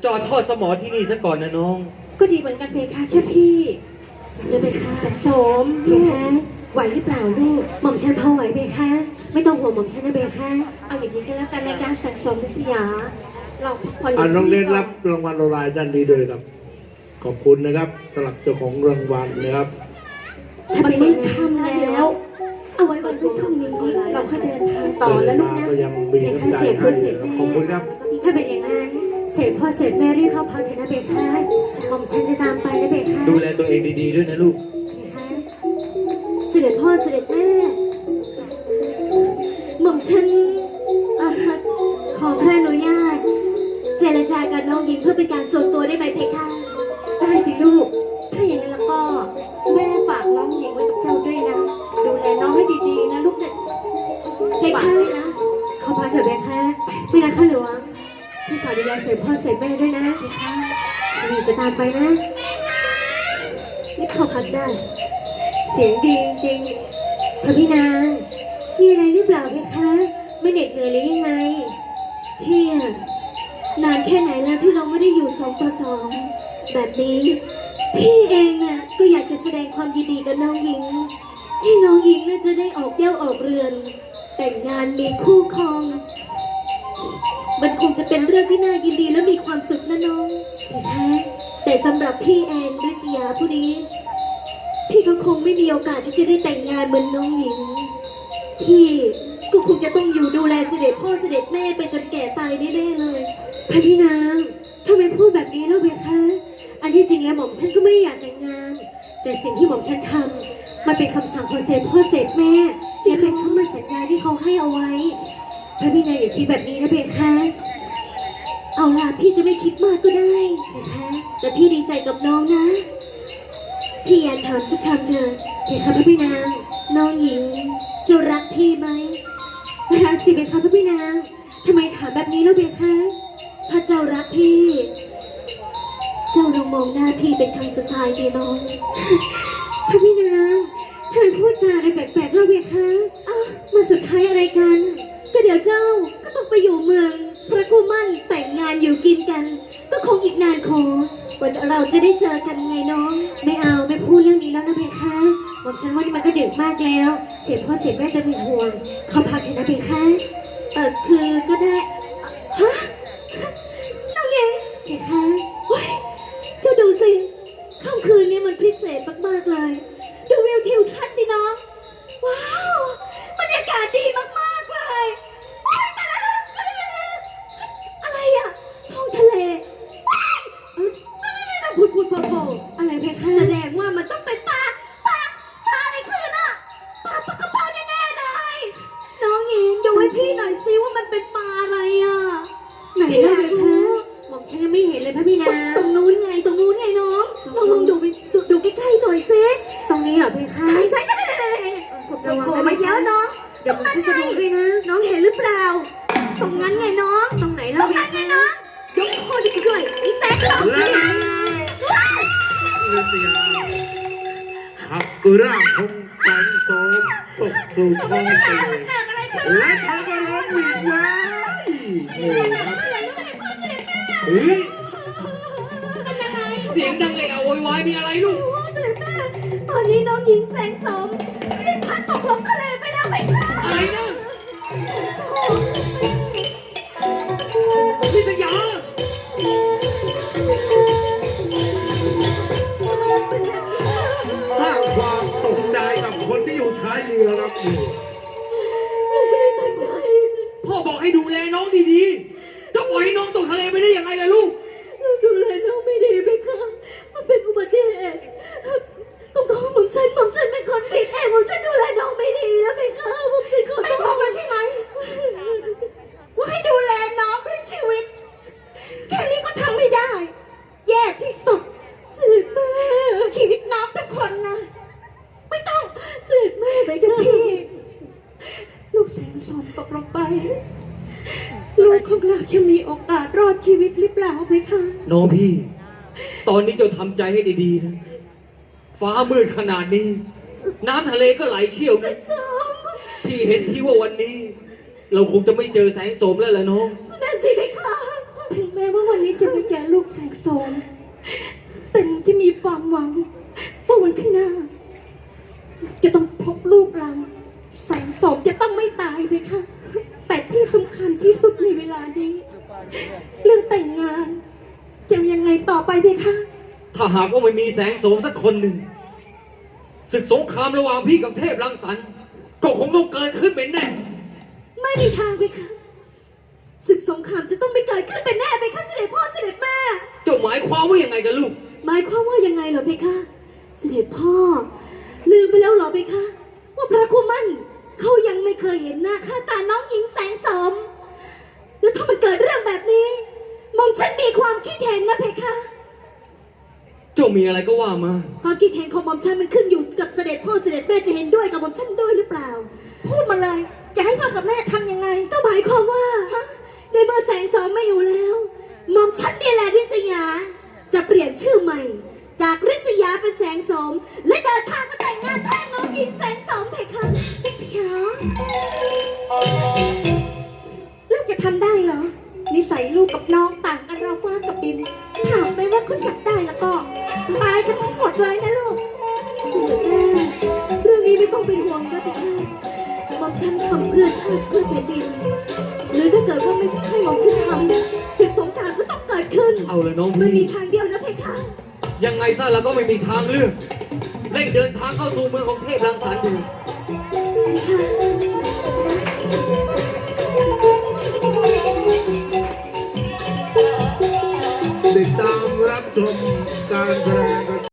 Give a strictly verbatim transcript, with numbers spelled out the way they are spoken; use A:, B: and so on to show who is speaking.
A: จอดทอดสมอที่นี่ซะก่อนนะน้อง
B: ก็ดีเหมือนกันเพคะเชื่อพี่จะไปค่ะสังสมเพคะไหวหรือเปล่าลูกหม่อมฉันพอไหวเพคะไม่ต้องห่วงหม่อมฉันนะเพคะเอาอย่างนี้ก็แล้วกันนะจ๊ะสังสมพิษยาเราพออยู่ที่นี่ก่อน
C: โรงเรียนรับรางวัลรายด้านนี้ด้วยครับขอบคุณนะครับสำหรับเจ้าของรางวัลนะครับ
B: มันมืดค่ำแล้วเอาไว้วันรุ่งพรุ่งนี้เราค่อยเดินทางต่อแล้วลูกนะ
C: ก็ยังมีน้ำใจให้นะครับขอบคุณครับ
D: ถ้าเป็นอย่างนั้นเสร็จพ่อเสร็จแม่รีบเข้าพักเถอะนะเบคะหม่อมฉันจะตามไปนะเบคะ
A: ดูแลตัวเองดีๆด้วยนะลูก
D: เบคะเสด็จพ่อเสด็จแม่หม่อมฉันขอพระอนุญาตเจรจากับน้องหญิงเพื่อเป็นการส่วนตัวได้ไหมเพคะ
B: ได้สิลูกถ้าอย่างนั้นแล้วก็แม่ฝากน้องหญิงไว้กับเจ้าด้วยนะดูแลน้องให้ดีๆนะลูกเด็ก
D: เพคะนะขอพาเถอะเบคะไม่นะข้าหลวงพี่ฝากดูแลเสร็จพ่อเสร็จแม่ด้วยนะเพคะมีจะตามไปนะนี่เข้าพักได้เสียงดีจริงพระพี่นางมีอะไรหรือเปล่าเพคะไม่เหน็ดเหนื่อยหรือยังไงพี่นานแค่ไหนแล้วที่เราไม่ได้อยู่สองต่อสองแบบนี้พี่เองน่ะก็อยากจะแสดงความยินดีกับน้องหญิงที่น้องหญิงน่าจะได้ออกเย้าออกเรือนแต่งงานมีคู่ครองมันคงจะเป็นเรื่องที่น่ายินดีและมีความสุขนะน้องนะคะแต่สำหรับพี่แอนริศยาผู้นี้พี่ก็คงไม่มีโอกาสที่จะได้แต่งงานเหมือนน้องหญิงพี่ก็คงจะต้องอยู่ดูแลเสด็จพ่อเสด็จแม่ไปจนแก่ตายแน่ๆเลยพระพี่นางทำไมพูดแบบนี้แล้วเบคะอันที่จริงแล้วหม่อมฉันก็ไม่ได้อยากแต่งงานแต่สิ่งที่หม่อมฉันทำมันเป็นคำสั่งของเสด็จพ่อเสด็จแม่และเป็นคำมั่นสัญญาที่เขาให้เอาไว้พระพี่นางอย่าคิดแบบนี้นะเบคะเอาล่ะพี่จะไม่คิดมากก็ได้เบคะแต่พี่ดีใจกับน้องนะพี่อยากถามสักคำเถอะเบคะพระพี่นางน้องหญิงจะรักพี่ไหมรักสิเบคะพระพี่นางทำไมถามแบบนี้แล้วเบคะถ้าเจ้ารักพี่เจ้าลองมองหน้าพี่เป็นครั้งสุดท้ายดีน้องพระพี่นางทำไมพูดจาอะไรแปลกๆแล้วเบคะอ้าวมาสุดท้ายอะไรกันก็เดี๋ยวเจ้าก็ต้องไปอยู่เมืองพระกุมั่นแต่งงานอยู่กินกันก็คงอีกนานขอกว่าเราจะได้เจอกันไงน้องไม่เอาไม่พูดเรื่องนี้แล้วนะเบคะบอกฉันว่านี่มันก็ดึกมากแล้วเสียพ่อเสียแม่จะเป็นห่วงเขาพักเถอะนะเบคะเออคือก็ได้ฮะน้องเองเบคะโอ้ยเจ้าดูสิค่ำคืนนี้มันพิเศษมากๆเลยดูวิวทิวทัศน์สิน้องว้าวบรรยากาศดีมากๆเลยโอ๊ยตายแล้วอะไรอะท้องทะเลว้ายนั่นๆๆผุดผุดโผล่อะไรเพคะแสดงว่ามันต้องเป็นปลาปลาปลาอะไรขึ้นน่ะปลาปลากระเพราแน่ๆเลยน้องหญิงดูให้พี่หน่อยซิว่ามันเป็นปลาอะไรอะไหนล่ะเพคะมองฉันยังไม่เห็นเลยพระพี่นางตรงนู้นไงตรงนู้นไงน้องลองลองดูไปดูใกล้ๆหน่อยซิตรงนี้เหรอเพคะใช่ใช่ใช่ใช่ระวังนะไม่เยอะน้องเดี๋ยวฉันจะดูให้นะน้องเห็นหรือเปล่าตรงนั้นไงน้องตรงไหนเราตรงนั้นไงน้องยกโคดิด้วยอีแซงสองที่ไหน
C: ฤทยาหักร่างคงแสงโสมตกสู่ท้องทะเลและทางก็ร้องวิ่งว้ายโอ้ครับเฮ้ย
A: เสียงดังเลยเอาโวยวายมีอะไรลูก
D: พ่อเสด็จแม่ตอนนี้น้องหญิงแสงสมได้พัดตกลงทะเลไปแล้วไหมคะ
A: อะไรนะพิษยา
C: สร้างความตกใจกับคนที่อยู่ท้ายเรือครับนี่
A: พ่อบอกให้ดูแลน้องดีๆจะปล่อยให้น้องตกทะเลไปได้ยังไงล่ะลูก
D: เราดูแลน้องไม่ดีไหมคะมันเป็นอุบัติเหตุต้องขอผมฉันผมฉันเป็นคนผิดเองผมฉันดูแลน้องไม่ดีนะไหมคะผมฉันขอโทษ
B: ไม่บอกมาใช่ไหมว่าให้ดูแลน้องด้วยชีวิตแค่นี้ก็ทำไม่ได้แย่ที่สุด
D: เสด็จแม่
B: ชีวิตน้องทุกคนนะไม่ต้อง
D: เสด็จแม่ไป
B: เจ้าพี่ลูกแสงสอนตกลงไปลูกของเราจะมีโอกาสรอดชีวิตหรือเปล่าไหมคะ
A: น้องพี่ตอนนี้เจ้าทำใจให้ดีๆนะฟ้ามืดขนาดนี้น้ำทะเลก็ไหลเชี่ยวนะพี่เห็นที่ว่าวันนี้เราคงจะไม่เจอแสงโสมแล้วล่ะน้อง
D: นั่นสิไหมคะ
B: ถึงแม้ว่าวันนี้จะไม่เจอลูกเพคะ
A: ถ้าหากว่าไม่มีแสงโสมสักคนหนึ่งศึกสงครามระหว่างพี่กับเทพรังสรรค์ก็คงต้องเกิดขึ้นเป็นแน่
D: ไม่มีทางเพคะศึกสงครามจะต้องไม่เกิดขึ้นเป็นแน่เพคะเสด็จพ่อเสด็จแม่
A: เจ้าหมายความว่ายังไงกันลูก
D: หมายความว่ายังไงเหรอเพคะ เสด็จพ่อ ลืมไปแล้วเหรอเพคะ ว่าพระคุมันเขายังไม่เคยเห็นหน้าค่าตาน้องหญิงแสงสมแล้วถ้ามันเกิดเรื่องแบบนี้หม่อมฉันมีความคิดเห็นนะเพคะ
A: เจ้ามีอะไรก็ว่ามา
D: ความคิดเห็นของหม่อมฉันมันขึ้นอยู่กับเสด็จพ่อเสด็จแม่จะเห็นด้วยกับหม่อมฉันด้วยหรือเปล่า
B: พูดมาเลย จะให้พ่อกับแม่ทำยังไง
D: ก็หมายความว่าในเมื่อแสงสมไม่อยู่แล้วหม่อมฉันนี่แหละริษยาจะเปลี่ยนชื่อใหม่ จากริษยาเป็นแสงสม และเดินทางมาแต่งงานแทนน้องหญิงแสงสมเพคะ
B: นิสยาลูกจะทำได้เหรอ นิสัยลูกกับน้องต่างกันเราฟ้ากับดิน ถามไปว่าเขาจับได้แล้วก็ตายกันทั้งหมดเลยนะลูก
D: เสด็จแม่เรื่องนี้ไม่ต้องเป็นห่วงนะเพคะหม่อมฉันทำเพื่อชาติเพื่อแผ่นดิน หรือถ้าเกิดว่าไม่ให้หม่อมฉันทำศึกสงครามก็ต้องเกิดขึ้น
A: เอาเลยน้อง
D: มันมี
A: พี่
D: ทางเดียวนะเพคะ
A: ยังไงซะเราก็ไม่มีทางเลือกเร่งเดินทางเข้าสู่เมืองของเทพรังสรรค์ดู